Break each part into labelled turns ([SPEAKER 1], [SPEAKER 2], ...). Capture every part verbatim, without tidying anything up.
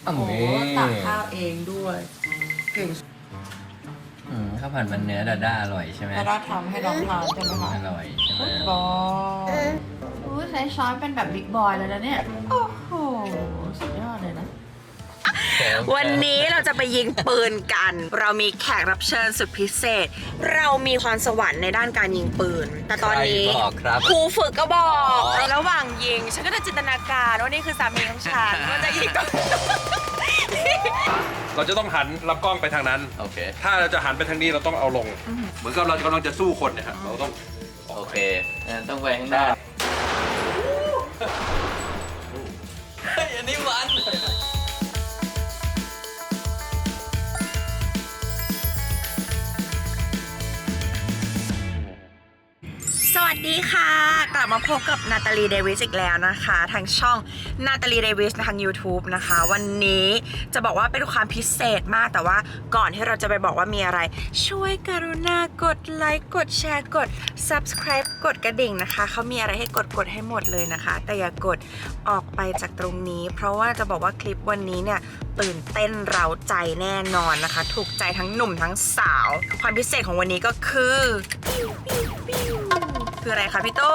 [SPEAKER 1] โอ้ตักข้าวเองด้วยเก่ง
[SPEAKER 2] อืมข้าวผัดมันเนื้อดาด้าอร่อยใช่ไหม
[SPEAKER 1] ดาด้าทำให้น้องทานใช่ไหมคะ
[SPEAKER 2] อร่อยใช่ไหม
[SPEAKER 1] บอยอู้ใช้ช้อนเป็นแบบบิ๊กบอยแล้วนะเนี่ยโอ้โหสุดยอดเลยนะ
[SPEAKER 3] วันนี้เราจะไปยิงปืนกัน เรามีแขกรับเชิญสุดพิเศษ เรามีความสวรรค์ในด้านการยิงปืน แต่ตอนนี้ครูฝึกก็บอกระหว่างยิงฉันก็จะจินตนาการว่านี่คือสามีของฉันว่าจะยิงก็
[SPEAKER 4] เราจะต้องหันลำกล้องไปทางนั้นโอเคถ้าเราจะหันไปทางนี้เราต้องเอาลงเหมือนกับเรากำลังจะสู้คนเนี่ยฮะเราต้อง
[SPEAKER 2] โอเคต้องไปข้างหน้าเฮ้ยอันนี้มัน
[SPEAKER 3] สวัสดีค่ะกลับมาพบกับนาตาลีเดวิสอีกแล้วนะคะทางช่องนาตาลีเดวิสทาง YouTube นะคะวันนี้จะบอกว่าเป็นความพิเศษมากแต่ว่าก่อนที่เราจะไปบอกว่ามีอะไรช่วยกรุณากดไลค์กดแชร์กด Subscribe กดกระดิ่งนะคะเขามีอะไรให้กดกดให้หมดเลยนะคะแต่อย่ากดออกไปจากตรงนี้เพราะว่าจะบอกว่าคลิปวันนี้เนี่ยตื่นเต้นเร้าใจแน่นอนนะคะถูกใจทั้งหนุ่มทั้งสาวความพิเศษของวันนี้ก็คือคืออะไรคะพี่โต้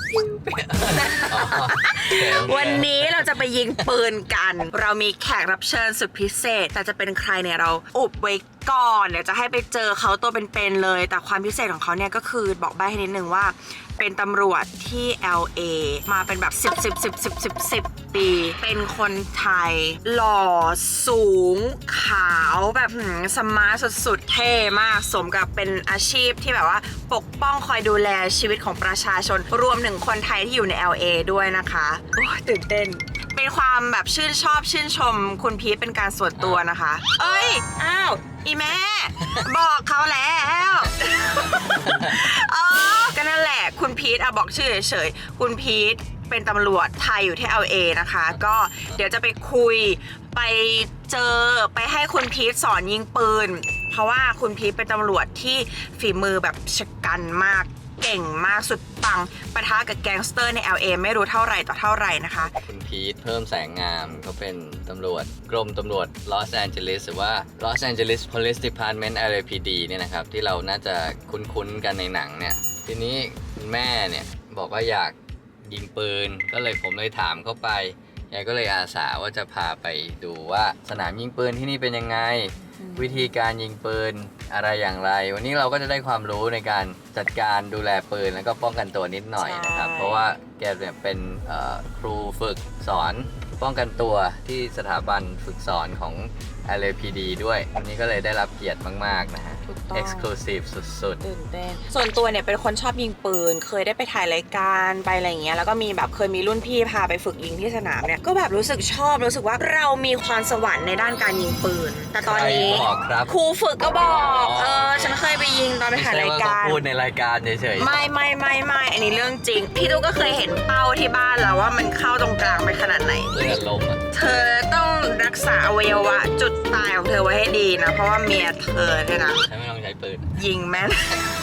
[SPEAKER 3] วันนี้เราจะไปยิงปืนกัน เรามีแขกรับเชิญสุดพิเศษแต่จะเป็นใครเนี่ยเราอุบไว้ก่อนเดี๋ยวจะให้ไปเจอเขาตัวเป็นๆเลยแต่ความพิเศษของเขาเนี่ยก็คือบอกใบ้ให้นิดนึงว่าเป็นตำรวจที่ แอล เอ มาเป็นแบบสิบ สิบ สิบ สิบ สิบ สิบปีเป็นคนไทยหล่อสูงขาวแบบสมาร์ทสุดๆเท่มากสมกับเป็นอาชีพที่แบบว่าปกป้องคอยดูแลชีวิตของประชาชนรวมถึงคนไทยที่อยู่ใน แอล เอ ด้วยนะคะโอ้ตื่นเต้นเป็นความแบบชื่นชอบชื่นชมคุณพีทเป็นการส่วนตัวนะคะเอ้ยอ้าวอีแม่บอกเขาแล้วเออก็นั่นแหละคุณพีทอะบอกชื่อเฉยๆคุณพีทเป็นตำรวจไทยอยู่ที่ แอล เอ นะคะก็เดี๋ยวจะไปคุยไปเจอไปให้คุณพีทสอนยิงปืนเพราะว่าคุณพีทเป็นตำรวจที่ฝีมือแบบชะกันมากเก่งมากสุดปังปะทะกับแก๊งสเตอร์ใน แอล เอ ไม่รู้เท่าไหร่ต่อเท่าไหร่นะคะ
[SPEAKER 2] คุณพีทเพิ่มแสงงามเขาเป็นตำรวจกรมตำรวจลอสแอนเจลิสหรือว่า Los Angeles Police Department แอล เอ พี ดี เนี่ยนะครับที่เราน่าจะคุ้นๆกันในหนังเนี่ยทีนี้คุณแม่เนี่ยบอกว่าอยากยิงปืนก็เลยผมเลยถามเข้าไปยายก็เลยอาสาว่าจะพาไปดูว่าสนามยิงปืนที่นี่เป็นยังไงวิธีการยิงปืนอะไรอย่างไรวันนี้เราก็จะได้ความรู้ในการจัดการดูแลปืนแล้วก็ป้องกันตัวนิดหน่อยนะครับเพราะว่าแกเนี่ยเป็นครูฝึกสอนป้องกันตัวที่สถาบันฝึกสอนของ แอล เอ พี ดี ด้วยวันนี้ก็เลยได้รับเกียรติมากๆนะฮะ Exclusive สุดๆ
[SPEAKER 3] ตื่นเต้นส่วนตัวเนี่ยเป็นคนชอบยิงปืนเคยได้ไปถ่ายรายการไปอะไรอย่างเงี้ยแล้วก็มีแบบเคยมีรุ่นพี่พาไปฝึกยิงที่สนามเนี่ยก็แบบรู้สึกชอบรู้สึกว่าเรามีความสวรรค์ในด้านการยิงปืนแต่ตอนนี้ครูฝึกก็บอกเออฉันเคยไปยิงตอนไปถ่ายรายการ
[SPEAKER 2] พูดในรายการเฉย
[SPEAKER 3] ๆไม่ไม่ไม่ไม่อันนี้เรื่องจริงพี่ตุ๊กก็เคยเห็นเป้าที่บ้านแล้วว่ามันเข้าตรงกลางไปขนาดไหน
[SPEAKER 2] เลือดลมอ่ะ
[SPEAKER 3] เธอต้องรักษาอวัยวะจุดตายของเธอไว้ให้ดีนะเพราะว่าเมียเธอเนี่ยนะ
[SPEAKER 2] ฉันไม่ต้องใช้ปืน
[SPEAKER 3] ยิงแม่น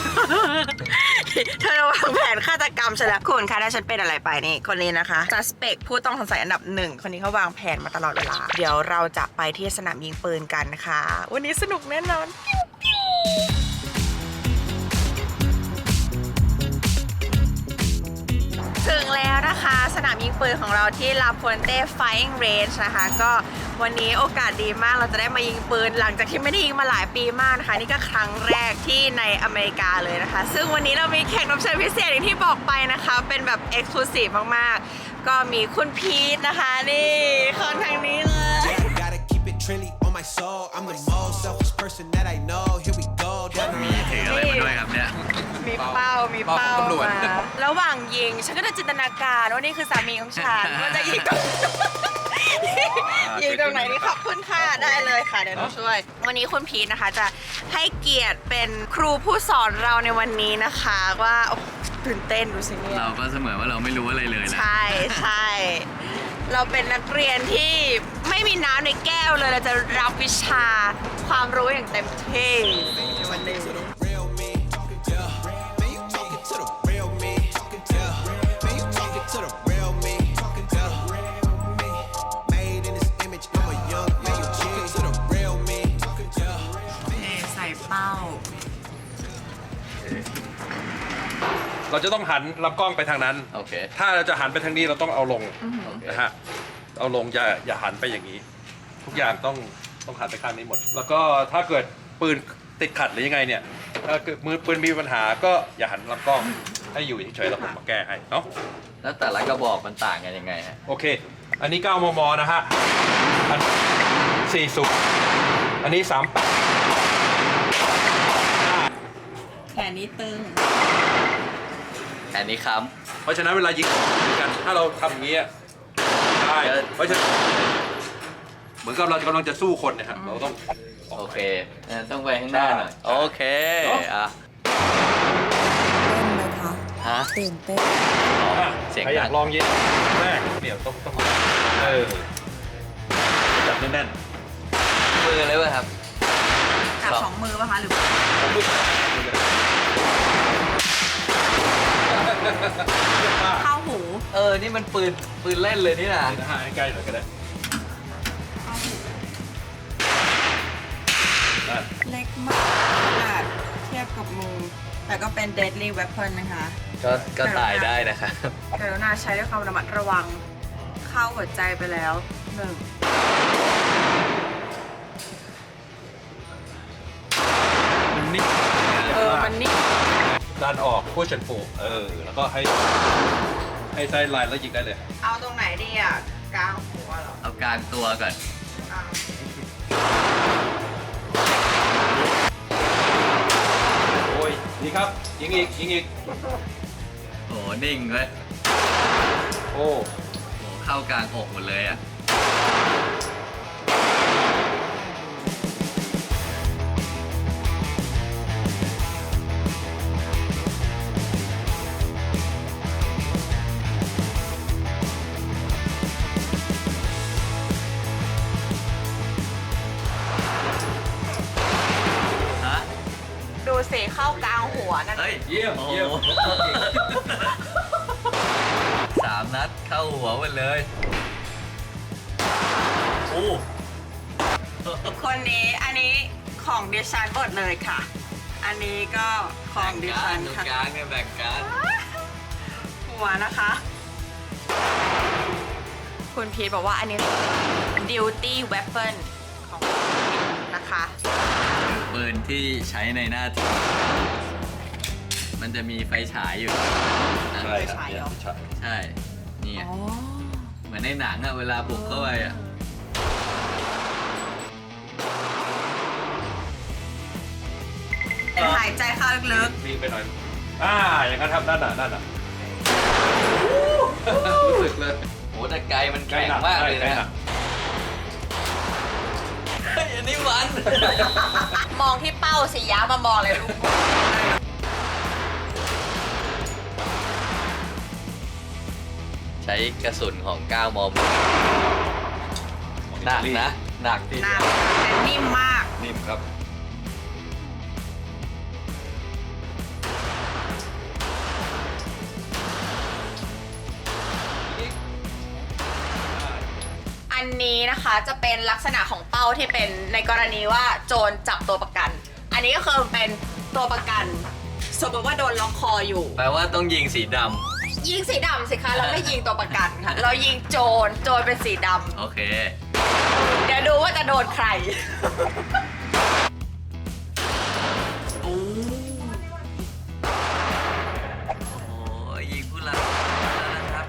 [SPEAKER 3] เธอวางแผนฆาตกรรมฉันแล้วคุณคะถ้าฉันเป็นอะไรไปนี่คนนี้นะคะ suspect ผู้ต้องสงสัยอันดับหนึ่งคนนี้เขาวางแผนมาตลอดเวลาเดี๋ยวเราจะไปที่สนามยิงปืนกันนะคะวันนี้สนุกแน่นอนถึงแล้วนะคะสนามยิงปืนของเราที่ลาพวนเต้ Firing Range นะคะก็วันนี้โอกาสดีมากเราจะได้มายิงปืนหลังจากที่ไม่ได้ยิงมาหลายปีมากนะคะนี่ก็ครั้งแรกที่ในอเมริกาเลยนะคะซึ่งวันนี้เรามีแขกรับเชิญพิเศษอย่างที่บอกไปนะคะเป็นแบบ Exclusive มากๆก็มีคุณพีทนะคะนี่คนทางนี้เลย
[SPEAKER 2] มีเทอะไรมาด้วยครับเนี่ย
[SPEAKER 3] มีเป้ามีเป้ามาระหว่างยิงฉันก็จะจินตนาการว่านี่คือสามีของฉันว่าจะยิงตรงยิงตรงไหนนี่ขอบคุณค่ะได้เลยค่ะเดี๋ยวหนูช่วยวันนี้คุณพีทนะคะจะให้เกียรติเป็นครูผู้สอนเราในวันนี้นะคะว่าตื่นเต้นดูสิเนี่ย
[SPEAKER 2] เราก็เสมอว่าเราไม่รู้อะไรเลยนะ
[SPEAKER 3] ใช่ใช่เราเป็นนักเรียนที่ไม่มีน้ำในแก้วเลยเราจะรับวิชาความรู้อย่างเต็มที่ในวันนี้
[SPEAKER 4] เราจะต้องหันลำกล้องไปทางนั้น
[SPEAKER 2] โอเค
[SPEAKER 4] ถ้าเราจะหันไปทางนี้เราต้องเอาลง
[SPEAKER 2] โอเค
[SPEAKER 4] นะฮะเอาลงอย่าอย่าหันไปอย่างนี้ ทุกอย่างต้องต้องหันไปข้างนี้หมด แล้วก็ถ้าเกิดปืนติดขัดหรือยังไงเนี่ยถ้าเกิดมือปืนมีปัญหาก็อย่าหันลำกล้องให้อยู่เฉยๆแล้วผมมาแก้ให้เนาะ
[SPEAKER 2] แล้วแต่ละกระบอกมันต่างกันยังไงฮะ
[SPEAKER 4] โอเค อันนี้ เก้ามม นะฮะอันสี่สิบอันนี้สามแปด
[SPEAKER 3] แขนนี้ตึง
[SPEAKER 2] อันนี้ค้
[SPEAKER 4] เพราะฉะนั้นเวลายิงกัน ถ้าเราทำอย่างนี้ได้
[SPEAKER 2] เออ
[SPEAKER 4] เพราะฉะนั้นเหมือนกับเรากำลังจะสู้คนเนะครับเราต้อง
[SPEAKER 2] ำโอเคงั้นต้องไปข้างหน้าหน่อย โอเคอ่ะ
[SPEAKER 3] เต้นไหมคะ
[SPEAKER 2] ฮะ
[SPEAKER 3] ตื่นเต้น
[SPEAKER 4] อ่ะ
[SPEAKER 2] เสียง
[SPEAKER 4] ใครอยาก
[SPEAKER 2] ดัง
[SPEAKER 4] ลองยิงแรกเดี๋ยวต้องต้องเออจับแน่น
[SPEAKER 2] มือเลยเว้ยครับ
[SPEAKER 3] จับสองมือป่ะคะหรือ
[SPEAKER 4] ๆผมรู้สึก
[SPEAKER 3] เข้าหู
[SPEAKER 2] เออ นี่มันปืนปืนเล่นเลยนี่นะ
[SPEAKER 4] นะฮะให้ใกล้หน่อยก็ได้นั่น
[SPEAKER 3] เล็กมากขนาดเทียบกับมือ แต่ก็เป็น deadly weapon นะคะ
[SPEAKER 2] ก็ก็ตายได้นะครับ
[SPEAKER 3] กรุณาใช้ด้วยความระมัดระวัง เข้าหัวใจไปแล้วหนึ่ง
[SPEAKER 4] มันนิ่ง
[SPEAKER 3] เออ มันนี่
[SPEAKER 4] ดันออกพูดฉันปูเออ แล้วก็ให้ให้ไซด์ไลน์แล้วยิงได้เลย
[SPEAKER 3] เอาตรงไหนดีอ่ะกลางหัวเหรอ
[SPEAKER 2] เอากลางตัวก่อน
[SPEAKER 3] อ่ะ
[SPEAKER 4] โอ้ยดีครับ ยิงอีก ยิงอีก
[SPEAKER 2] โห นิ่งเลย
[SPEAKER 4] โอ้
[SPEAKER 2] โห เข้ากลางอกหมดเลยอ่ะ ฮะ
[SPEAKER 3] ดูสิเข้ากลางหัวนั่น
[SPEAKER 2] เฮ้ย
[SPEAKER 4] เยี่ยม
[SPEAKER 2] โอ้
[SPEAKER 4] เยี่ยม
[SPEAKER 2] โหสามนัดเข้าหัวหมดเลยโอ้
[SPEAKER 3] คนนี้อันนี้ของดิฉันหมดเลยค่ะ อันนี้ก็ของดิฉัน
[SPEAKER 2] ตรง
[SPEAKER 3] ค่ะ
[SPEAKER 2] กลางเนี่ยแบ่งกัน
[SPEAKER 3] หัวนะคะ คุณพีทบอกว่าอันนี้ duty weapon ของคุณพีทนะคะ
[SPEAKER 2] ปืนที่ใช้ในหน้าที่ มันจะมีไฟฉายอยู่นะ
[SPEAKER 4] ใช่ครับ
[SPEAKER 3] ใช่เหรอ
[SPEAKER 4] ใช่
[SPEAKER 2] ใช่ นี่ไงเหมือนในหนังอะเวลาบุกเข้าไปอะ
[SPEAKER 3] เป็นหายใจเข้าลึก
[SPEAKER 4] มีไปหน่อย อ่า อย่างนั้นครับนั่นน่ะนั่นน่ะรู้สึกเลย
[SPEAKER 2] โหแต่ไกลมันแข็งมากเลย
[SPEAKER 4] ใกล้
[SPEAKER 2] นะ
[SPEAKER 4] หนัก
[SPEAKER 2] เฮ้ยอันนี้มัน
[SPEAKER 3] ๆ มองที่เป้าสิย้ามามองเลยลูก
[SPEAKER 2] ใช้กระสุนของเก้าม มหนักนะ หนักที
[SPEAKER 3] ห
[SPEAKER 2] เดี
[SPEAKER 3] น้า
[SPEAKER 2] ยว
[SPEAKER 3] แต่นิ่มมาก
[SPEAKER 4] นิ่มครับ
[SPEAKER 3] อันนี้นะคะจะเป็นลักษณะของเป้าที่เป็นในกรณีว่าโจรจับตัวประกัน อันนี้ก็คือเป็นตัวประกัน สมมติว่าโดนล็อกคออยู่
[SPEAKER 2] แปลว่าต้องยิงสีด
[SPEAKER 3] ยิงสีดำสิคะ เราไม่ยิงตัวประกันค่ะ เรายิงโจร โจรเป็นสีด
[SPEAKER 2] ำโอเค
[SPEAKER 3] ำ เดี๋ยวดูว่าจะโดนใคร
[SPEAKER 2] โอ้โหยิงผู้ร้ายแล้วนะครับ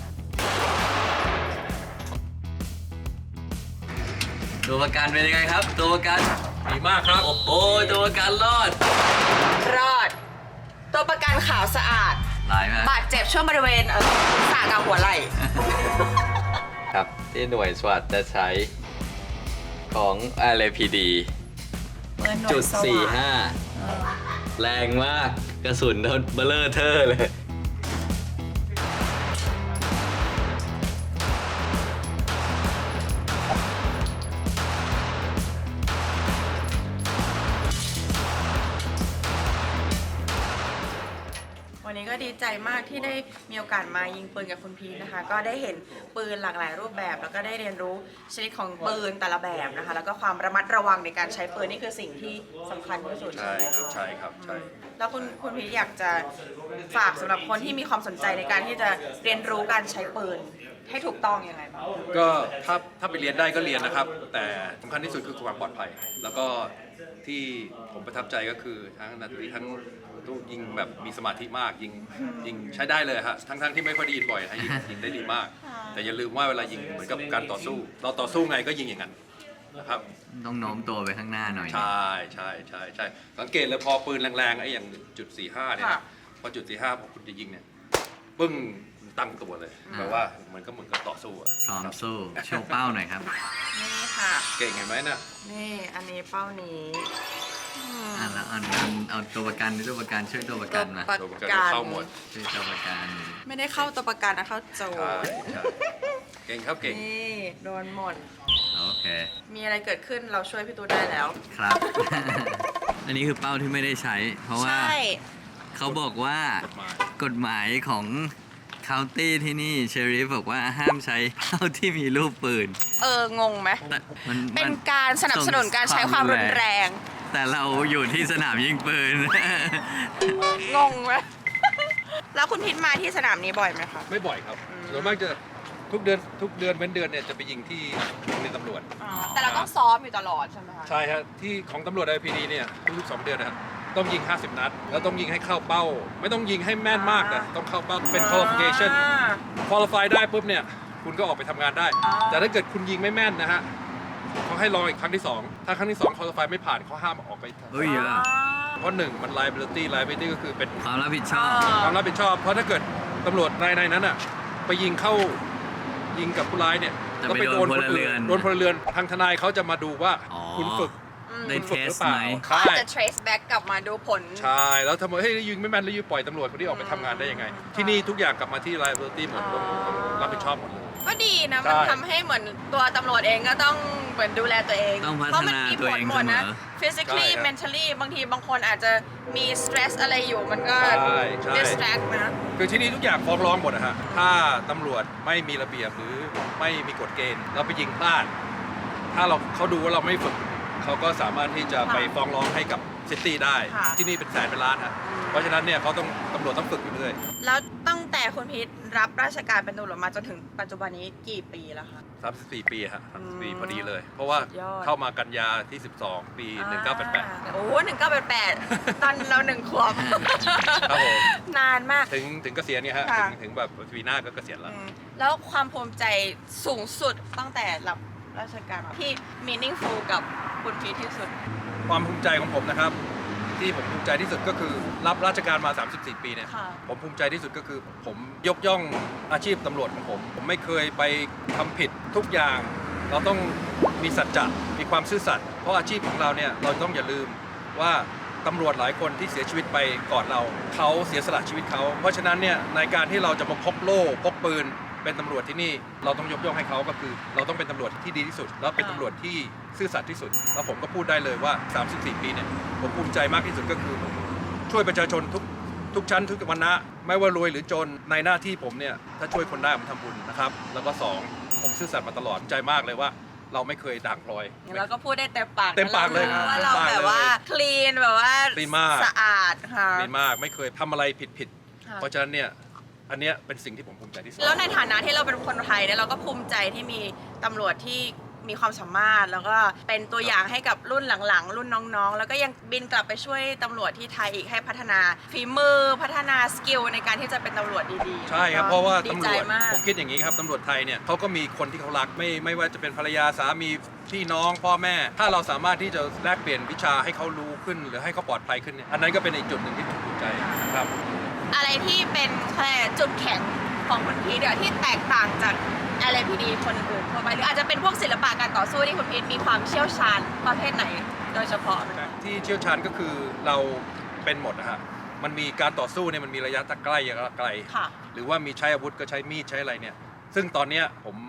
[SPEAKER 2] ตัวประกันเป็นยังไงครับ ตัวประกัน
[SPEAKER 4] ดีมากครับ
[SPEAKER 2] โอ้โหตัวประกันรอด
[SPEAKER 3] รอด ตัวประกันขาวสะอาด
[SPEAKER 2] หลายไหม
[SPEAKER 3] บาดเจ็บช่วงบริเวณเออศีรษะกับหัวไหล่
[SPEAKER 2] ครับที่หน่วยสวัสดจะใช้ของ อาร์ เอ พี ดี จุดสี่ห้าแรงมากกระสุนโดนเบลเลอร์เทอร์เลย
[SPEAKER 3] วันนี้ก็ก็ดีใจมากที่ได้มีโอกาสมายิงปืนกับคุณพีทนะคะก็ได้เห็นปืนหลากหลายรูปแบบแล้วก็ได้เรียนรู้ชนิดของปืนแต่ละแบบนะคะแล้วก็ความระมัดระวังในการใช้ปืนนี่คือสิ่งที่สำคัญที่สุด
[SPEAKER 4] ใช่
[SPEAKER 3] ไหม
[SPEAKER 4] ครับ
[SPEAKER 3] คะ
[SPEAKER 4] ใช่ครับใช่
[SPEAKER 3] แล้วคุณคุณพีทอยากจะฝากสำหรับคนที่มีความสนใจในการที่จะเรียนรู้การใช้ปืนให้ถูกต้องยังไงบ้าง
[SPEAKER 4] ก็ถ้าถ้าไปเรียนได้ก็เรียนนะครับ แต่สำคัญที่สุดคือความปลอดภัย แล้วก็ที่ผมประทับใจก็คือทั้งนาทีทั้งต้องยิงแบบมีสมาธิมากยิงยิงใช้ได้เลยฮะทั้งทั้งที่ไม่ค่อยได้ยินบ่อยให้ยิงยิงได้ดีมาก แต่อย่าลืมว่าเวลายิงเหมือนกับการต่อสู้ เราต่อสู้ไงก็ยิงอย่างนั้นนะครับ
[SPEAKER 2] ต้องโน้มตัวไปข้างหน้าหน่อย
[SPEAKER 4] ใช่ใช่ใช่ใช่สังเกตเลยพอปืนแรงๆไอ้อย่างจุดสี่ห้าเนี่ย
[SPEAKER 3] ค่ะ
[SPEAKER 4] พอจุดสี่ห้าพอคุณจะยิงเนี่ยปึ้งตั้งตัวเลยแปลว่าเหมือนก็เหมือนกับต่อสู้อะ
[SPEAKER 2] พร้อมสู้โชว์เป้าหน่อยครับ
[SPEAKER 3] นี่ค่ะ
[SPEAKER 4] เก่งเห็นไหมน่ะ
[SPEAKER 3] นี่อันนี้เป้านี้อืม
[SPEAKER 2] อ่ะแล้วเอาเอาเอาตัวประกันตัวประกันช่วยตัวประกันมา
[SPEAKER 3] ตัว
[SPEAKER 4] ตัวประกันเข้าหมด
[SPEAKER 2] ช่วยตัวประกัน
[SPEAKER 3] ไม่ได้เข้าตัวประกันนะเข้าโจ
[SPEAKER 4] ใช่
[SPEAKER 3] ร
[SPEAKER 4] ใช่เก่งครับเก่ง
[SPEAKER 3] นี่โดนหมด
[SPEAKER 2] โอเค
[SPEAKER 3] มีอะไรเกิดขึ้นเราช่วยพี่ตูนได้แล้ว
[SPEAKER 2] ครับ อันนี้คือเป้าที่ไม่ได้ใช้ เพราะว่า
[SPEAKER 3] ใช่
[SPEAKER 2] เขาบอกว่าก
[SPEAKER 4] ฎหมาย
[SPEAKER 2] กฎหมายของคาวตี้ที่นี่เชอริฟบอกว่าห้ามใช้เป้าที่มีรูปปืน
[SPEAKER 3] เอองงไหม
[SPEAKER 2] แต่มัน
[SPEAKER 3] เป็น
[SPEAKER 2] มัน
[SPEAKER 3] การสนับสนุนการใช้ความรุนแรง
[SPEAKER 2] แต่เราอยู่ที่สนามยิงปืน
[SPEAKER 3] งงไหม แล้วคุณพิทมาที่สนามนี้บ่อยไหมคะ
[SPEAKER 4] ไม่บ่อยครับส่วนมากจะทุกเดือนทุกเดือนเว้นเดือนเนี่ยจะไปยิงที่โรงเรียนตำรวจ
[SPEAKER 3] แต่เราต้องซ้อมอยู่ตลอดใช่ไหมคะ
[SPEAKER 4] ใช่ครับที่ของตำรวจ ไอ พี ดี เนี่ยทุกๆสองเดือนนะครับต้องยิง ห้าสิบ นัด แล้วต้องยิงให้เข้าเป้า ไม่ต้องยิงให้แม่นมากแต่ต้องเข้าเป้าเป็น qualification
[SPEAKER 3] อ่า
[SPEAKER 4] qualify ได้ปุ๊บเนี่ยคุณก็ออกไปทำงานได้
[SPEAKER 3] อ่า
[SPEAKER 4] แต่ถ้าเกิดคุณยิงไม่แม่นนะฮะเขาให้รออีกครั้งที่สองถ้าครั้งที่สอง qualify ไม่ผ่านเขาห้ามออกไป
[SPEAKER 2] เฮ้ยเยอะ
[SPEAKER 4] เพราะหนึ่งมัน liability liability ก็คือเป็น
[SPEAKER 2] ความรับผิดชอบ
[SPEAKER 4] ความรับผิดชอบ เพราะถ้าเกิดตำรวจนายในนั้นอ่ะไปยิงเข้ายิงกับผู้ร้ายเนี่ย
[SPEAKER 2] จะ
[SPEAKER 4] ก็
[SPEAKER 2] ไปโดนพลเรือน
[SPEAKER 4] โดนพลเรือนทางทนายเขาจะมาดูว่า
[SPEAKER 2] อ๋อ
[SPEAKER 4] คุณฝึก
[SPEAKER 2] ได้
[SPEAKER 4] คุณ
[SPEAKER 2] เท
[SPEAKER 4] ฝึก
[SPEAKER 2] ส
[SPEAKER 4] หรือเปล่า
[SPEAKER 2] ไหม
[SPEAKER 3] เขา
[SPEAKER 4] ใช่
[SPEAKER 3] อาจจะ trace back กลับมาดูผล
[SPEAKER 4] ใช่แล้วทำไมเฮ้ยยิงไม่แม่นแล้วยิงปล่อยตำรวจคนที่ออกไปทำงานได้ยังไง ที่นี่ทุกอย่างกลับมาที่ liability หมดต้องต้องรับผิดชอบหมดเลย
[SPEAKER 3] ก็ดีนะ
[SPEAKER 4] ใช่
[SPEAKER 3] มันทำให้เหมือนตัวตำรวจเองก็ต้องเหมือนดูแลตัวเอง
[SPEAKER 2] ต้องพัฒนา
[SPEAKER 3] เพราะมันมี
[SPEAKER 2] ตัว
[SPEAKER 3] ผ
[SPEAKER 2] เอ
[SPEAKER 3] ล
[SPEAKER 2] ง
[SPEAKER 3] หมดนะ
[SPEAKER 2] เสมอ
[SPEAKER 3] physically
[SPEAKER 4] ใช่ครับ
[SPEAKER 3] mentally บางทีบางคนอาจจะมี stress อะไรอยู่มันก็
[SPEAKER 4] ใช่ใช่
[SPEAKER 3] distract นะ
[SPEAKER 4] คือที่นี่ทุกอย่างฟ้องร้องหมดอะฮะถ้าตำรวจไม่มีระเบียบหรือไม่มีกฎเกณฑ์เราไปยิงพลาด ถ้าเราเขาดูว่าเราไม่ฝึกเขาก็สามารถที่จะไปฟ้องร้องให้กับซิตี้ได้
[SPEAKER 3] ค่ะ
[SPEAKER 4] ที่นี่เป็นแสนเป็นล้านฮะเพราะฉะนั้นเนี่ยเขาต้องตำรวจต้องฝึกอยู่เรื่อย
[SPEAKER 3] แล้วตั้งแต่คุณพีทรับราชการเป็นตำรวจมาจนถึงปัจจุบันนี้กี่ปีแล้วคะ
[SPEAKER 4] สามสิบสี่ปีฮะสามสิบสี่
[SPEAKER 3] อืม
[SPEAKER 4] พอดีเลย เพราะว่า
[SPEAKER 3] สุดยอด
[SPEAKER 4] เข้ามากันยาที่สิบสองปีหนึ่งเก้าแปดแปด
[SPEAKER 3] อ่าโอ้หนึ่งเก้าแปดแปดตอนเราหนึ่งขวบ
[SPEAKER 4] ครับผม
[SPEAKER 3] นานมาก
[SPEAKER 4] ถึงถึงเกษียณเนี่ยฮะ
[SPEAKER 3] ค่ะ
[SPEAKER 4] ถึงถึงแบบปีหน้าก็เกษียณแล้ว
[SPEAKER 3] อืมแล้วความภูมิใจสูงสุดตั้งแต่รับราชการมาที่ meaningful กับคุณพีทที่สุด
[SPEAKER 4] ความภูมิใจของผมนะครับ ที่ผมภูมิใจที่สุดก็คือรับราชการมา สามสิบสี่ ปีเนี่ย
[SPEAKER 3] ค่ะ
[SPEAKER 4] ผมภูมิใจที่สุดก็คือ ผมยกย่องอาชีพตำรวจของผม ผมไม่เคยไปทำผิดทุกอย่าง เราต้องมีสัจจะมีความซื่อสัตย์เพราะอาชีพของเราเนี่ยเราต้องอย่าลืมว่าตำรวจหลายคนที่เสียชีวิตไปก่อนเราเขาเสียสละชีวิตเขาเพราะฉะนั้นเนี่ยในการที่เราจะมาพกโล่พกปืนเป็นตำรวจที่นี่เราต้องยกย่องให้เขาก็คือ เราต้องเป็นตำรวจที่ดีที่สุด แล้วเป็นตำรวจที่ซื่อสัตย์ที่สุด แล้วผมก็พูดได้เลยว่า สามสิบสี่ ปีเนี่ยผมภูมิใจมากที่สุดก็คือช่วยประชาชนทุกทุกชั้นทุกวรรณะไม่ว่ารวยหรือจนในหน้าที่ผมเนี่ยถ้าช่วยคนได้ผมทำบุญนะครับแล้วก็สองผมซื่อสัตย์มาตลอดภูมิใจมากเลยว่า เราไม่เคยด่างพลอย
[SPEAKER 3] เราก็พูดได้เต็มปาก
[SPEAKER 4] เต็มปากเลย
[SPEAKER 3] นะว่าเรา
[SPEAKER 4] เต็มปาก
[SPEAKER 3] แบบว่า
[SPEAKER 4] เลย
[SPEAKER 3] clean แบบว่า
[SPEAKER 4] clean มาก
[SPEAKER 3] สะอาดค่ะ
[SPEAKER 4] ดีมากไม่เคยทำอะไรผิดผิด
[SPEAKER 3] ค่ะ
[SPEAKER 4] เพราะฉะนั้นเนี่ยอันเนี้ยเป็นสิ่งที่ผมภูมิใจที่สุด
[SPEAKER 3] แล้วในฐานะที่เราเป็นคนไทยเนี่ยเราก็ภูมิใจที่มีตำรวจที่มีความสามารถ แล้วก็เป็นตัวอย่างให้กับรุ่นหลังๆ รุ่นน้องๆ แล้วก็ยังบินกลับไปช่วยตำรวจที่ไทยอีกให้พัฒนาฝีมือพัฒนาสกิลในการที่จะเป็นตำรวจดีๆ
[SPEAKER 4] ใช่ครับเพราะว่า
[SPEAKER 3] ดี
[SPEAKER 4] ตำร
[SPEAKER 3] ใจ
[SPEAKER 4] วจ
[SPEAKER 3] มาก
[SPEAKER 4] ผมคิดอย่างนี้ครับตำรวจไทยเนี่ยเขาก็มีคนที่เขารักไม่ไม่ว่าจะเป็นภรรยาสามีพี่น้องพ่อแม่ ถ้าเราสามารถที่จะแลกเปลี่ยนวิชาให้เขารู้ขึ้น หรือให้เขาปลอดภัยขึ้นเนี่ยอันนั้นก็เป็นอีกจุดหนึ่งที่ผมภูมิใจครับ
[SPEAKER 3] อะไรที่เป็นแค่จุดแข็งของคุณพีทเดี๋ยวที่แตกต่างจาก แอล เอ พี ดี คนอื่นทั่วไปหรืออาจจะเป็นพวกศิลปะการต่อสู้ที่คุณพีทมีความเชี่ยวชาญประเภทไหนโดยเฉพาะไหมคะ
[SPEAKER 4] ที่เชี่ยวชาญก็คือเราเป็นหมดนะฮะมันมีการต่อสู้เนี่ยมันมีระยะใกล้ระยะไกล
[SPEAKER 3] ค่ะ
[SPEAKER 4] หรือว่ามีใช้อาวุธก็ใช้มีดใช้อะไรเนี่ยซึ่งตอนเนี้ยผม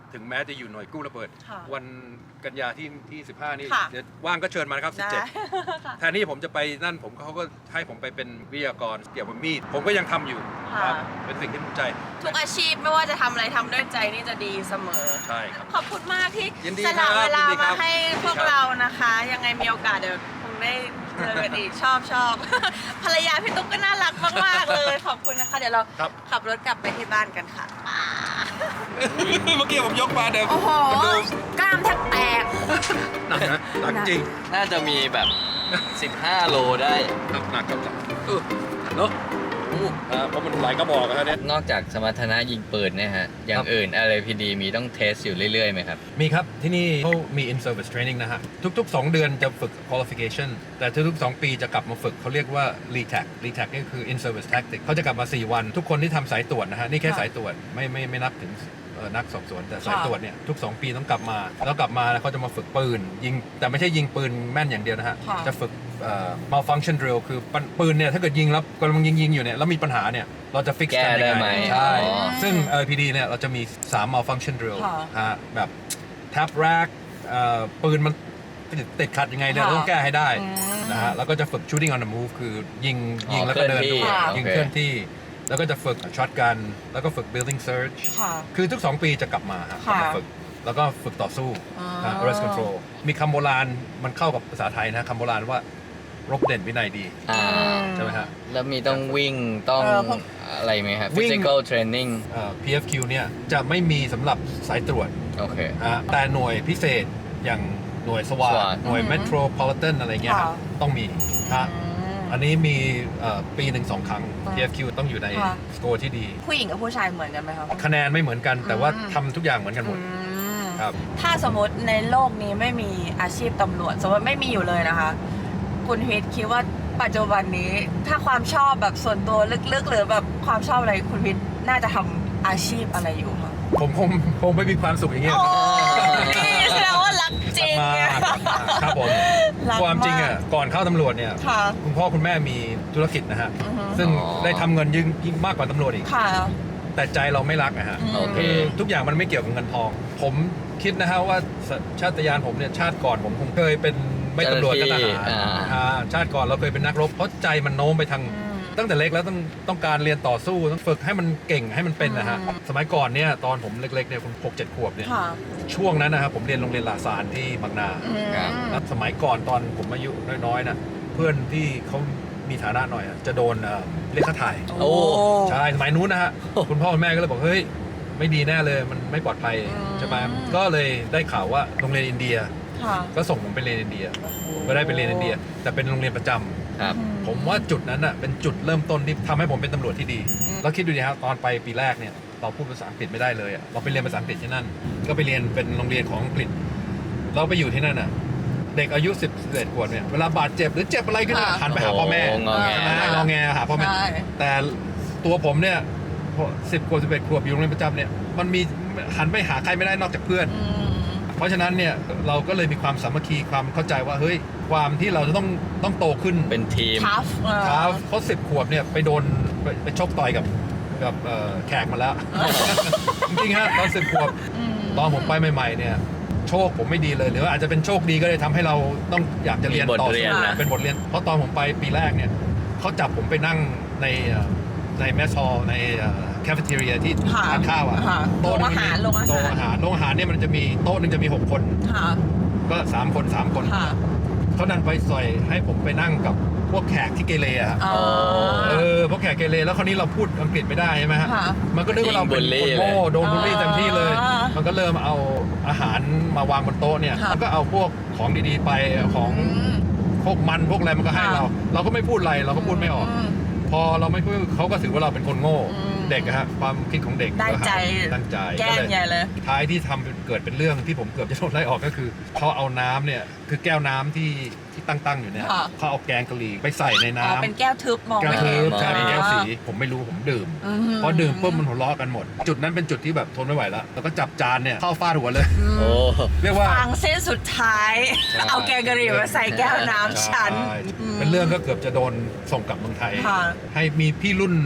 [SPEAKER 4] ถึงแม้จะอยู่หน่วยกู้ระเบิด
[SPEAKER 3] ค่ะ
[SPEAKER 4] วันกันยาที่ที่สิบห้านี่
[SPEAKER 3] ค่ะ
[SPEAKER 4] เดี๋ยวว่างก็เชิญมานะครับ
[SPEAKER 3] ได้
[SPEAKER 4] สิบเจ็ด แทนที่ผมจะไปนั่นผมเขาก็ให้ผมไปเป็นวิทยากรเกี่ยวกับมีดผมก็ยังทำอยู่ครับเป็นสิ่งที่ภูมิใจ
[SPEAKER 3] ทุกอาชีพไม่ว่าจะทำอะไรทำด้วยใจนี่จะดีเสมอ
[SPEAKER 4] ใช่ครับ
[SPEAKER 3] ขอบคุณมากที่
[SPEAKER 4] ยินดี
[SPEAKER 3] สละ
[SPEAKER 4] ครับ
[SPEAKER 3] เวลา
[SPEAKER 4] ยินดีครั
[SPEAKER 3] มา
[SPEAKER 4] บ
[SPEAKER 3] ให้พวก
[SPEAKER 4] ครับ
[SPEAKER 3] เรานะคะ ยังไงมีโอกาสเดี๋ยวคงได้เจอกันอีก ชอบชอบ ภรรยาพี่ตุ๊กก็น่ารักมากๆเลย ขอบคุณนะคะ เดี๋ยวเรา
[SPEAKER 4] ครับ
[SPEAKER 3] ขับรถกลับไปที่บ้านกันค่ะ
[SPEAKER 4] เมื่อกี้ผมยกมาเดี๋ยว
[SPEAKER 3] โอ้โห
[SPEAKER 4] มันดู
[SPEAKER 3] กล้ามแทบแตก
[SPEAKER 4] หนักนะหนักจริง
[SPEAKER 2] น่าจะมีแบบ สิบห้า โลได้
[SPEAKER 4] หนักหนักครับเออเนาะอู้อ่าเพราะมันหลายกระบอกนะเนี่ย
[SPEAKER 2] นอกจากสมรรถนะยิงปืนเนี่ยฮะ อย่างอื่น อาร์ พี ดี มีต้องเทสอยู่เรื่อยๆไหมครับ
[SPEAKER 4] มีครับ ที่นี่เขามี in service training นะฮะ ทุกๆ สอง เดือนจะฝึก qualification แต่ทุกๆ สอง ปีจะกลับมาฝึกเขาเรียกว่า รี ที เอ ซี รี ที เอ ซี นี่คือ in service tactic เขาจะกลับมา สี่ วัน ทุกคนที่ทำสายตรวจนะฮะ นี่แค่สายตรวจไม่ไม่ไม่นับถึงเอ่อนักสอบสวน แต่สายตรวจเนี่ยทุก สอง ปีต้องกลับมา แล้วกลับมาแล้วเขาจะมาฝึกปืน ยิงแต่ไม่ใช่ยิงปืนแม่นอย่างเดียวนะฮะ
[SPEAKER 3] ค่ะ
[SPEAKER 4] จะฝึกเอ่อ malfunction drill คือปืนเนี่ยถ้าเกิดยิงแล้วกำลังยิงยิงอยู่เนี่ยแล้วมีปัญหาเนี่ยเราจะ fix
[SPEAKER 2] แก้
[SPEAKER 4] กัน
[SPEAKER 2] ได้
[SPEAKER 4] ยัง
[SPEAKER 2] ไหม
[SPEAKER 4] ไงใช่
[SPEAKER 2] อ๋อ
[SPEAKER 4] ซึ่ง อาร์ พี ดี เนี่ยเราจะมี สาม malfunction drill
[SPEAKER 3] ค่ะ
[SPEAKER 4] ฮะแบบ tap rack เอ่อปืนมันติดติดขัดยังไงเนี่ยเราต้องแก้ให้ได้
[SPEAKER 3] อืม
[SPEAKER 4] นะฮะแล้วก็จะฝึก shooting on the move คือยิงยิงแล้วก็เดินดู
[SPEAKER 3] ค่ะ
[SPEAKER 4] ยิง
[SPEAKER 2] โอเค
[SPEAKER 4] เคลื่อนที่ แล้วก็จะฝึกช็อตกันแล้วก็ฝึก building search
[SPEAKER 3] ค่ะ
[SPEAKER 4] คือทุก สอง ปีจะกลับมาฮะกลับมา
[SPEAKER 3] ค่ะ
[SPEAKER 4] ฝึกแล้วก็ฝึกต่อสู้
[SPEAKER 3] อ๋อ
[SPEAKER 4] นะ arrest control มีคำโบราณมันเข้ากับภาษาไทยนะคำโบราณว่ารบเด่นวินัยดี
[SPEAKER 2] อ่า
[SPEAKER 4] ใช่ไหมฮะ
[SPEAKER 2] แล้วมีต้องวิ่งต้อง
[SPEAKER 3] เออผม
[SPEAKER 2] อะไรไหมครับ
[SPEAKER 4] วิ่ง
[SPEAKER 2] physical training
[SPEAKER 4] เอ่อ พี เอฟ คิว เนี่ยจะไม่มีสำหรับสายตรวจ
[SPEAKER 2] โอเค
[SPEAKER 4] ฮะแต่หน่วยพิเศษอย่างหน่วยสวา
[SPEAKER 2] สวาท
[SPEAKER 4] หน่วย metropolitan อะไรเงี้ย
[SPEAKER 3] ค่ะ
[SPEAKER 4] ต้องมีฮะ
[SPEAKER 3] อืม
[SPEAKER 4] อันนี้มีเอ่อปีหนึ่งสองครั้ง
[SPEAKER 3] ค่ะ
[SPEAKER 4] พี เอฟ คิว ต้องอยู่ใน
[SPEAKER 3] ค่ะ
[SPEAKER 4] สโกร์ที่ดี
[SPEAKER 3] ผู้หญิงกับผู้ชายเหมือนกันไหมครับ
[SPEAKER 4] คะแนนไม่เหมือนกันแต่ว่า
[SPEAKER 3] อืม
[SPEAKER 4] ทำทุกอย่างเหมือนกันหมด
[SPEAKER 3] อืม
[SPEAKER 4] ครับ
[SPEAKER 3] ถ้าสมมติในโลกนี้ไม่มีอาชีพตำรวจ สมมติไม่มีอยู่เลยนะคะ คุณฮิตคิดว่าปัจจุบันนี้ถ้าความชอบแบบส่วนตัวลึกๆ หรือแบบความชอบอะไรคุณฮิตน่าจะทำอาชีพอะไรอยู่คะ
[SPEAKER 4] ผมคงคงไม่มีความสุขอย่างเงี้ย
[SPEAKER 3] โอ้นี่แสดงว่ารักจริง
[SPEAKER 4] มาก
[SPEAKER 3] อะ
[SPEAKER 4] ครับผม
[SPEAKER 3] รัก
[SPEAKER 4] ความจริงอ่ะ
[SPEAKER 3] มาก
[SPEAKER 4] ก่อนเข้าตำรวจเนี่ย
[SPEAKER 3] ค่ะ
[SPEAKER 4] คุณพ่อคุณแม่มีธุรกิจนะฮะ
[SPEAKER 3] อือฮึ
[SPEAKER 4] ซึ่ง
[SPEAKER 2] อ๋อ
[SPEAKER 4] ได้ทำเงินยิ่งยิ่งมากกว่าตำรวจอีก
[SPEAKER 3] ค่ะ
[SPEAKER 4] แต่ใจเราไม่รักนะฮะ
[SPEAKER 3] อืม
[SPEAKER 2] โอเค
[SPEAKER 4] คือทุกอย่างมันไม่เกี่ยวกับเงินทอง ผมคิดนะฮะว่าสชาติยานผมเนี่ยชาติก่อนผมคงเคยเป็นไม่ตำรวจก็ทหาร
[SPEAKER 2] อ่า
[SPEAKER 4] อ่าชาติก่อนเราเคยเป็นนักรบเพราะใจมันโน้มไปทาง
[SPEAKER 3] อืม
[SPEAKER 4] ตั้งแต่เล็กแล้วต้องต้องการเรียนต่อสู้ต้องฝึกให้มันเก่งให้มันเป็นนะฮะ
[SPEAKER 3] อืม
[SPEAKER 4] สมัยก่อนเนี่ยตอนผมเล็กๆเนี่ยผมหกเจ็ดขวบเนี่ย
[SPEAKER 3] ค่ะ
[SPEAKER 4] ช่วงนั้นนะครับผมเรียนโรงเรียนลาซานที่บางนา
[SPEAKER 3] อืม
[SPEAKER 2] ครับ
[SPEAKER 4] แล้วสมัยก่อนตอนผมอายุน้อยๆนะเพื่อนที่เขามีฐานะหน่อยอะจะโดนเอ่อเรียกค่าถ่าย
[SPEAKER 2] โอ้
[SPEAKER 4] ใช่สมัยนู้นนะฮะ คุณพ่อคุณแม่ก็เลยบอกเฮ้ยไม่ดีแน่เลยมันไม่ปลอดภัย
[SPEAKER 3] อืม
[SPEAKER 4] ใช่ไหมก็เลยได้ข่าวว่าโรงเรียนอินเดีย
[SPEAKER 3] ค่ะ
[SPEAKER 4] ก็ส่งผมไปเรียนอินเดียก็ได้ไปเรียนอินเดีย แต่เป็นโรงเรียนประจำ
[SPEAKER 2] ครับ
[SPEAKER 4] ผมว่าจุดนั้นอ่ะเป็นจุดเริ่มต้นที่ทำให้ผมเป็นตำรวจที่ดี
[SPEAKER 3] อืม
[SPEAKER 4] แล้วคิดดูดิครับตอนไปปีแรกเนี่ยเราพูดภาษาอังกฤษไม่ได้เลยอะเราไปเรียนภาษาอังกฤษที่นั่น ก็ไปเรียนเป็นโรงเรียนของอังกฤษ เราไปอยู่ที่นั่นอ่ะเด็กอายุสิบ สิบเอ็ดขวบเนี่ยเวลาบาดเจ็บหรือเจ็บอะไรขึ้นมา
[SPEAKER 3] ค่ะ
[SPEAKER 4] หันไปหาพ่อแม่
[SPEAKER 2] โอ้งอแง
[SPEAKER 4] ใช่ไหมงอแงหาพ่อแม่
[SPEAKER 3] ใช่
[SPEAKER 4] แต่ตัวผมเนี่ยสิบขวบสิบเอ็ดขวบอยู่โรงเรียนประจำเนี่ยมันมีหันไปหาใครไม่ได้นอกจากเพื่อน
[SPEAKER 3] อืม
[SPEAKER 4] เพราะฉะนั้นเนี่ยเราก็เลยมีความสามัคคีความเข้าใจว่าเฮ้ยความที่เราจะต้องต้องโตขึ้น
[SPEAKER 2] เป็นทีม
[SPEAKER 3] tough เออ
[SPEAKER 4] ครับเพราะสิบขวบเนี่ยไปโดนไปไปชกต่อยกับกับเอ่อแขกมาแล้ว จริงๆฮะตอนสิบขวบ
[SPEAKER 3] อืม
[SPEAKER 4] ตอนผมไปใหม่ๆเนี่ยโชคผมไม่ดีเลยหรือว่าอาจจะเป็นโชคดีก็เลยทำให้เราต้องอยากจะเรียน
[SPEAKER 2] มีบท
[SPEAKER 4] ต่อ
[SPEAKER 2] เรียนนะ
[SPEAKER 4] เป็นบทเรียนเพราะตอนผมไปปีแรกเนี่ยเขาจับผมไปนั่งในเอ่อในแมสซอลในแคฟเฟเทเรียที่
[SPEAKER 3] ค่ะ
[SPEAKER 4] ทานข้าวอ่ะ
[SPEAKER 3] ค่ะ
[SPEAKER 4] โต๊ะ
[SPEAKER 3] โรงอาหารโรงอาหาร
[SPEAKER 4] โต๊ะอาหารโรงอาหารเนี่ยมันจะมีโต๊ะหนึงจะมีหกคน
[SPEAKER 3] ค่ะ
[SPEAKER 4] ก็สามคนสามคน
[SPEAKER 3] ค่ะ
[SPEAKER 4] เขาดันไปซอยให้ผมไปนั่งกับพวกแขกที่เกเรอะฮะ
[SPEAKER 3] อ๋อ
[SPEAKER 4] เออพวกแขกเกเรแล้วคราวนี้เราพูดอังกฤษไม่ได้ใช่ไหมฮะ
[SPEAKER 3] ค่ะ
[SPEAKER 4] มันก็นึกว่าเราเป็น
[SPEAKER 2] ยิงบูลลี่
[SPEAKER 4] คนโง่
[SPEAKER 2] เลย
[SPEAKER 4] โดนบูลลี่เต็มที่เลย
[SPEAKER 3] อ่ามั
[SPEAKER 4] มันก็เริ่มเอาอาหารมาวางบนโต๊ะเนี่ย
[SPEAKER 3] ค่ะ
[SPEAKER 4] มันก็เอาพวกของดีๆไปของ
[SPEAKER 3] อืม
[SPEAKER 4] พวกมันพวกอะไรมันก็ให้
[SPEAKER 3] ค่ะ
[SPEAKER 4] เรา เราก็ไม่พูดอะไรเราก็พูดไม่ออก
[SPEAKER 3] ม
[SPEAKER 4] พอเราไม่พูดเขาก็ถือว่าเราเป็นคนโง่
[SPEAKER 3] อืม
[SPEAKER 4] เด็กอะฮะความคิดของเด็ก
[SPEAKER 3] ได้ใจ
[SPEAKER 4] ตั้งใจ
[SPEAKER 3] แกล้งใหญ่เลย
[SPEAKER 4] ท้ายที่ทำเป็นเกิดเป็นเรื่องที่ผมเกือบจะโดนไล่ออกก็คือเขาเอาน้ำเนี่ยคือแก้วน้ำที่ที่ตั้งๆอยู่เนี่ย
[SPEAKER 3] ค่ะ
[SPEAKER 4] เขาเอาแกงกะหรี่ไปใส่ใน
[SPEAKER 3] อ๋อ
[SPEAKER 4] น้ำ
[SPEAKER 3] เป็นแก้วทึบมอง
[SPEAKER 4] แก้ว
[SPEAKER 3] ไม่
[SPEAKER 4] ทึ
[SPEAKER 3] เห็น
[SPEAKER 4] บใช่เป็นแก้วสี
[SPEAKER 3] อ๋อ
[SPEAKER 4] ผมไม่รู้ผมดื่ม
[SPEAKER 3] อืม
[SPEAKER 4] พอดื่มปุ๊บมันหัวเราะกันหมด จุดนั้นเป็นจุดที่แบบทนไม่ไหวแล้วแล้วก็จับจานเนี่ยเข้าฟาดหัวเลย
[SPEAKER 2] โอ้
[SPEAKER 4] เรียกว่า
[SPEAKER 3] ฟังเส้นสุดท้าย
[SPEAKER 2] ใช่
[SPEAKER 3] เอาแกงกะหรี่มาใส่แก้วน้ำฉัน
[SPEAKER 4] ใช่
[SPEAKER 3] อืม
[SPEAKER 4] เป็นเรื่องก็เกือบจะโดนส่งกลับเมืองไทย
[SPEAKER 3] ค่ะ
[SPEAKER 4] ให้มีพี่รุ่น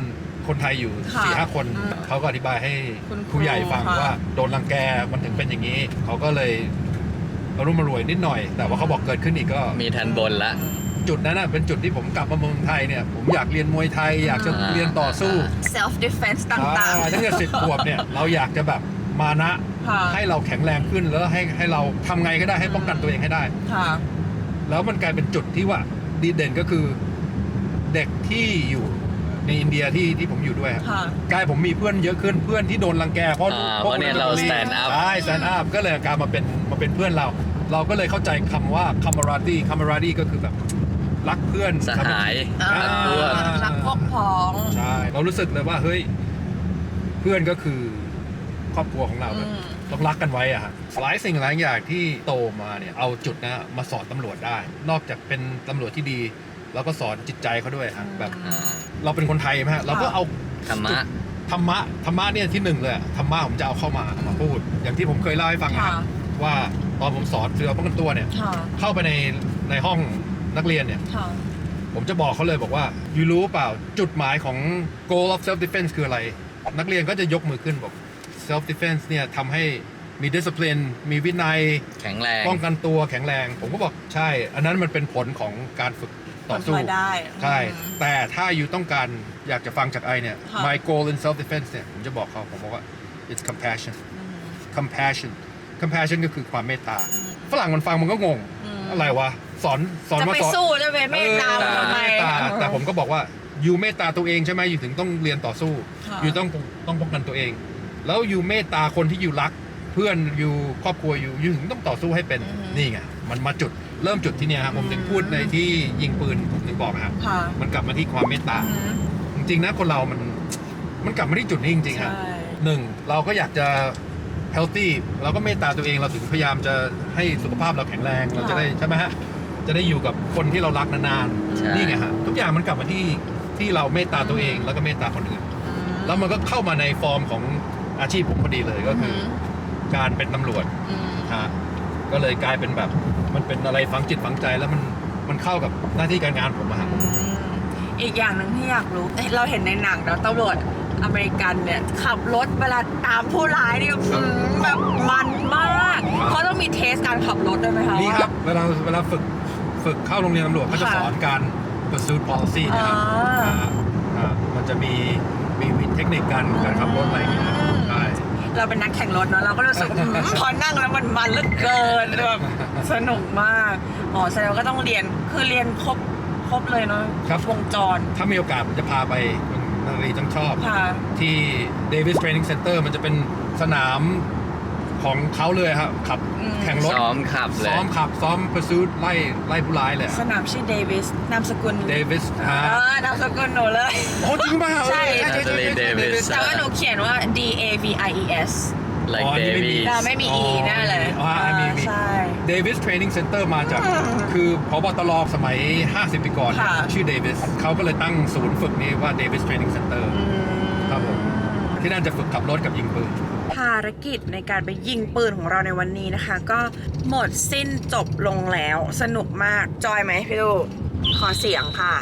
[SPEAKER 4] คนไทยอยู่
[SPEAKER 3] ค่ะ
[SPEAKER 4] สี่ห้าคน
[SPEAKER 3] อืม
[SPEAKER 4] เขาก็อธิบายให้
[SPEAKER 3] คุณครู
[SPEAKER 4] ผู้ใหญ่ฟัง
[SPEAKER 3] ค่ะ
[SPEAKER 4] ว่าโดนรังแกมันถึงเป็นอย่างนี้ เขาก็เลยอารมณ์รวยนิดหน่อย แต่ว่าเขาบอกเกิดขึ้นอีกก็
[SPEAKER 2] มีทันบนละ
[SPEAKER 4] จุดนั้นน่ะเป็นจุดที่ผมกลับมาเมืองไทยเนี่ยผมอยากเรียนมวยไทย อยากจะ
[SPEAKER 2] อ่า
[SPEAKER 4] เรียนต่อสู้
[SPEAKER 3] self defense ต่าง
[SPEAKER 4] อ่าตั้งแต่สิบขวบเนี่ยเราอยากจะแบบมานะ
[SPEAKER 3] ๆค่ะ
[SPEAKER 4] ให้เราแข็งแรงขึ้นแล้วให้ให้เราทำไงก็ได้ให้ป้องกันตัวเองให้ได้
[SPEAKER 3] ค่ะ
[SPEAKER 4] แล้วมันกลายเป็นจุดที่ว่าดีเด่นก็คือเด็กที่อยู่ในอินเดียที่ที่ผมอยู่ด้วยครับ
[SPEAKER 3] ค่ะ
[SPEAKER 4] กลายผมมีเพื่อนเยอะขึ้นเพื่อนที่โดนรังแกเพราะ
[SPEAKER 2] อ่า
[SPEAKER 4] พวก
[SPEAKER 2] เพราะเนี่ยเรา stand up
[SPEAKER 4] ใช่ stand up ก็เลยกลายมาเป็นมาเป็นเพื่อนเรา เราก็เลยเข้าใจคำว่า camaraderie camaraderie ก็คือแบบรักเพื่อน
[SPEAKER 2] สหาย
[SPEAKER 3] อ่า
[SPEAKER 2] รักพวก
[SPEAKER 3] รักพวกพ้อง
[SPEAKER 4] ใช่เรารู้สึกเลยว่าเฮ้ยเพื่อนก็คือครอบครัวของเรา
[SPEAKER 3] อืม
[SPEAKER 4] ต้องรักกันไว้อะฮะหลายสิ่งหลายอย่างที่โตมาเนี่ยเอาจุดนะมาสอนตำรวจได้ นอกจากเป็นตำรวจที่ดีเราก็สอนจิตใจเขาด้วยฮะแบบ
[SPEAKER 2] อ่า
[SPEAKER 4] เราเป็นคนไทยไหมฮะเราก็เอา
[SPEAKER 2] ธรรมะ
[SPEAKER 4] ธรรมะธรรมะเนี่ยที่หนึ่งเลยอะธรรมะผมจะเอาเข้ามามาพูด อย่างที่ผมเคยเล่าให้ฟังนะฮะ
[SPEAKER 3] ค่ะ
[SPEAKER 4] ว่าตอนผมสอนเสือป้องกันตัวเนี่ย
[SPEAKER 3] ค่ะ
[SPEAKER 4] เข้าไปในในห้องนักเรียนเนี่ย
[SPEAKER 3] ค่ะ
[SPEAKER 4] ผมจะบอกเขาเลยบอกว่ายูรู้เปล่าจุดหมายของ goal of self defense คืออะไร นักเรียนก็จะยกมือขึ้นบอก self defense เนี่ยทำให้มี discipline มีวินัย
[SPEAKER 2] แข็งแรง
[SPEAKER 4] ป้องกันตัวแข็งแรง ผมก็บอกใช่ อันนั้นมันเป็นผลของการฝึกต่อสู้
[SPEAKER 3] มาได้
[SPEAKER 4] ใช่
[SPEAKER 3] อืม
[SPEAKER 4] แต่ถ้าอยู่ต้องการอยากจะฟังจากไอเนี่ย
[SPEAKER 3] ค่ะ
[SPEAKER 4] my goal in self defense เนี่ยผมจะบอกเขาผมบอกว่า it's compassion
[SPEAKER 3] อืม
[SPEAKER 4] compassion compassion ก็คือความเมตตา
[SPEAKER 3] อืม
[SPEAKER 4] ฝรั่งมันฟังมันก็งง
[SPEAKER 3] อืม
[SPEAKER 4] อะไรวะ สอนสอน
[SPEAKER 3] จะ
[SPEAKER 4] มา
[SPEAKER 3] ไป
[SPEAKER 4] สอน
[SPEAKER 3] สู้จะไปเมตตา
[SPEAKER 4] เออ
[SPEAKER 3] ทำไม
[SPEAKER 4] เมตตาแต่ผมก็บอกว่าอยู่เมตตาตัวเองใช่ไหมอยู่ถึงต้องเรียนต่อสู้
[SPEAKER 3] ค่ะ
[SPEAKER 4] อยู่ต้องต้องป้องกันตัวเอง แล้วอยู่เมตตาคนที่อยู่รัก เพื่อนอยู่ครอบครัวอยู่อยู่ถึงต้องต่อสู้ให้เป็น
[SPEAKER 3] อืม
[SPEAKER 4] นี่ไงมันมาจุดเริ่มจุดที่เนี่ยครับผมถึงพูดในที่ยิงปืนผมถึงบอกครับ
[SPEAKER 3] ค่ะ
[SPEAKER 4] มันกลับมาที่ความเมตตา
[SPEAKER 3] อืม
[SPEAKER 4] จริงๆนะคนเรามันมันกลับมาที่จุดนี้จริงๆครับ
[SPEAKER 3] ใช่
[SPEAKER 4] หนึ่งเราก็อยากจะ healthy เราก็เมตตาตัวเองเราถึงพยายามจะให้สุขภาพเราแข็งแรงเราจะได้ใช่ไหมฮะจะได้อยู่กับคนที่เรารักนาน
[SPEAKER 2] ใช่
[SPEAKER 4] ๆนี่ไงฮะทุกอย่างมันกลับมาที่ที่เราเมตตาตัวเองแล้วก็เมตตาคนอื่น แล้วมันก็เข้ามาในฟอร์มของอาชีพผมพอดีเลยก็คืออการเป็นตำรวจ
[SPEAKER 3] อืม
[SPEAKER 4] ฮะก็เลยกลายเป็นแบบมันเป็นอะไรฝังจิตฝังใจแล้วมันมันเข้ากับหน้าที่การงานผมอะฮะ
[SPEAKER 3] อืมอีกอย่างหนึ่งที่อยากรู้เอ้ยเราเห็นในหนังแล้วตำรวจอเมริกันเนี่ยขับรถเวลาตามผู้ร้ายนี่อืมแบบมันมากเขาต้องมีเทสการขับรถด้วยไหมคะ
[SPEAKER 4] นี่ครับเวลาเวลาฝึกฝึกเข้าโรงเรียนตำรวจเขาจะ
[SPEAKER 3] ค่ะ
[SPEAKER 4] สอนการ pursuit policy นะครับ
[SPEAKER 3] อ่า
[SPEAKER 4] อ่าอ่ามันจะมีมีเทคนิคการการขับรถอะไรอย่างเงี้ยใช่
[SPEAKER 3] เราเป็นนักแข่งรถเนาะเราก็รู้สึก อืมพอนั่งแล้วมันมันเหลือเกินแบบสนุกมากอ๋อแสดงว่าก็ต้องเรียนคือเรียนครบครบเลยเนาะ
[SPEAKER 4] ครับ
[SPEAKER 3] วงจร
[SPEAKER 4] ถ้ามีโอกาสผมจะพาไปคุณนารีต้องชอบ
[SPEAKER 3] ค่ะ
[SPEAKER 4] ที่ Davis Training Center มันจะเป็นสนามของเขาเลยครับขับ
[SPEAKER 3] อืม
[SPEAKER 4] แข่งรถ
[SPEAKER 2] ซ้อมขับเลย
[SPEAKER 4] ซ้อมขับ ซ้อม pursuit ไล่ไล่ผู้ร้ายเลย
[SPEAKER 3] สนามชื่อเดวิสนามสกุล
[SPEAKER 4] Davis
[SPEAKER 3] เอ
[SPEAKER 4] ฮะ
[SPEAKER 3] อนามสกุลหนูเลย
[SPEAKER 4] โอ้จริงป่ะ
[SPEAKER 3] ใช่
[SPEAKER 4] ใช่ใช่ใช่
[SPEAKER 2] Natalie Davis
[SPEAKER 3] แต่ว่าหนูเขียนว่า D A V I E S
[SPEAKER 2] like
[SPEAKER 4] อ๋อนี่ไม่มี
[SPEAKER 2] Davies
[SPEAKER 3] เราไม่มี E แน่เลย
[SPEAKER 4] อ๋อมีมี
[SPEAKER 3] ใช่
[SPEAKER 4] Davis Training Center มาจาก คือพบตรสมัย ห้าสิบ ปีก่อน
[SPEAKER 3] ค่ะ
[SPEAKER 4] ชื่อ Davis เขาก็เลยตั้งศูนย์ฝึกนี้ว่า Davis Training Center
[SPEAKER 3] อืม
[SPEAKER 4] ครับผม ที่นั่นจะฝึกขับรถกับยิงปืน
[SPEAKER 3] ภารกิจในการไปยิงปืนของเราในวันนี้นะคะ ก็หมดสิ้นจบลงแล้วสนุกมากจอยไหมพี่ลูกขอเสียงค่ะ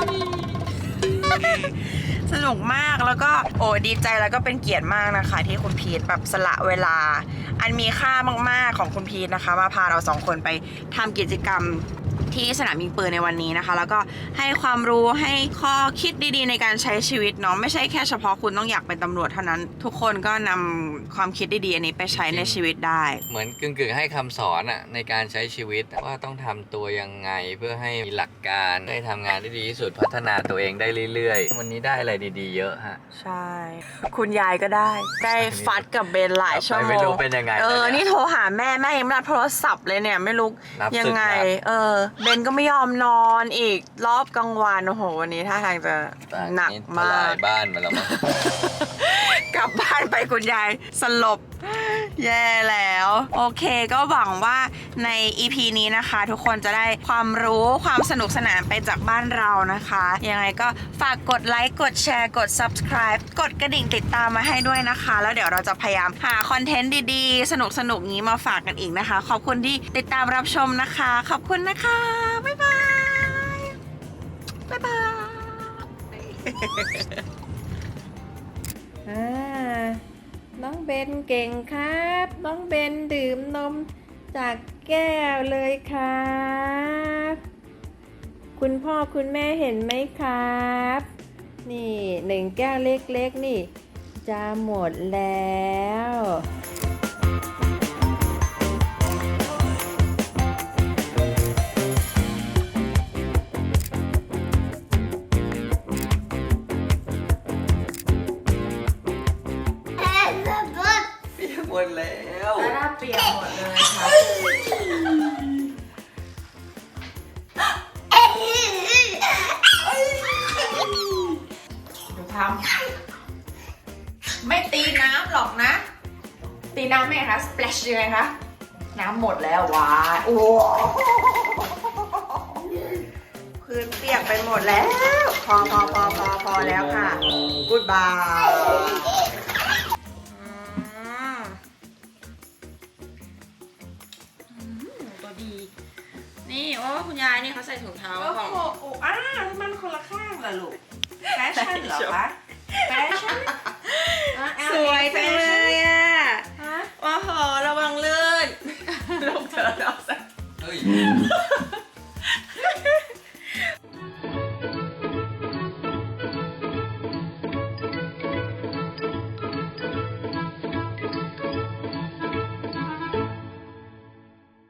[SPEAKER 3] สนุกมากแล้วก็โอ้ดีใจแล้วก็เป็นเกียรติมากนะคะ ที่คุณพีทแบบสละเวลา อันมีค่ามากๆของคุณพีทนะคะ มาพาเราสองคนไปทำกิจกรรมที่สนามยิงปืนในวันนี้นะคะ แล้วก็ให้ความรู้ให้ข้อคิดดีๆในการใช้ชีวิตเนาะไม่ใช่แค่เฉพาะคุณต้องอยากเป็นตำรวจเท่านั้น ทุกคนก็นำความคิดดีๆอันนี้ไปใช้ในชีวิตได้
[SPEAKER 2] เหมือนกึ่งๆให้คำสอนอะในการใช้ชีวิตว่าต้องทำตัวยังไงเพื่อให้มีหลักการได้ทำงานได้ดีที่สุดพัฒนาตัวเองได้เรื่อยๆ วันนี้ได้อะไรดีๆเยอะฮะ
[SPEAKER 3] ใช่ คุณยายก็ได้ ได้ฟัดกับเบนหลายชั่วโม
[SPEAKER 2] ไม่
[SPEAKER 3] ง
[SPEAKER 2] รู้เป็นยังไง
[SPEAKER 3] เออ
[SPEAKER 2] แล้วเนี่ย
[SPEAKER 3] นี่โทรหาแม่แม่ยังไม่รับโทรศัพท์เลยเนี่ยไม่รู้
[SPEAKER 2] รับศึก
[SPEAKER 3] ยังไง
[SPEAKER 2] รับ
[SPEAKER 3] เออ เบนก็ไม่ยอมนอนอีกรอบกลางวันโอ้โหวันนี้ท่าทางจะหนัก
[SPEAKER 2] ท
[SPEAKER 3] มา
[SPEAKER 2] ลาก ยบ้านมาแล้วมั้ง
[SPEAKER 3] กลับบ้านไปคุณยายสลบ แย่แล้ว โอเคก็หวังว่าใน อี พี นี้นะคะ ทุกคนจะได้ความรู้ความสนุกสนานไปจากบ้านเรานะคะ ยังไงก็ฝากกดไลค์กดแชร์กด subscribe กดกระดิ่งติดตามมาให้ด้วยนะคะ แล้วเดี๋ยวเราจะพยายามหาคอนเทนต์ดีๆ สนุกๆนี้มาฝากกันอีกนะคะ ขอบคุณที่ติดตามรับชมนะคะ ขอบคุณนะคะ บ๊ายบาย บ๊ายบาย
[SPEAKER 1] อ่าน้องเบนเก่งครับ น้องเบนดื่มนมจากแก้วเลยครับ คุณพ่อคุณแม่เห็นไหมครับ นี่หนึ่งแก้วเล็กๆนี่จะหมดแล้ว
[SPEAKER 2] เปียกหมดแล้ว
[SPEAKER 1] หน้าเปียกหมดเลยค่ะดูทำไม่ตีน้ำหรอกนะ ตีน้ำไหมคะ splash ยังไงคะ น้ำหมดแล้วว้าโอ้พื้นเปียกไปหมดแล้ว พอพอพอพอพอแล้วค่ะ goodbye
[SPEAKER 3] ตัวดี นี่ว่าคุณยายนี่เขาใส่ถุงเท้า
[SPEAKER 1] โอ้
[SPEAKER 3] ของ
[SPEAKER 1] โหโอ้อ้าวมันคนละข้างเหรอลูก แฟชั่นเหรอคะแฟชั่น
[SPEAKER 3] สวยจังเลยอ่ะ
[SPEAKER 1] ฮะ
[SPEAKER 3] โอ้โหระวังลื่นลงเธอเอาใส่
[SPEAKER 2] เฮ้ย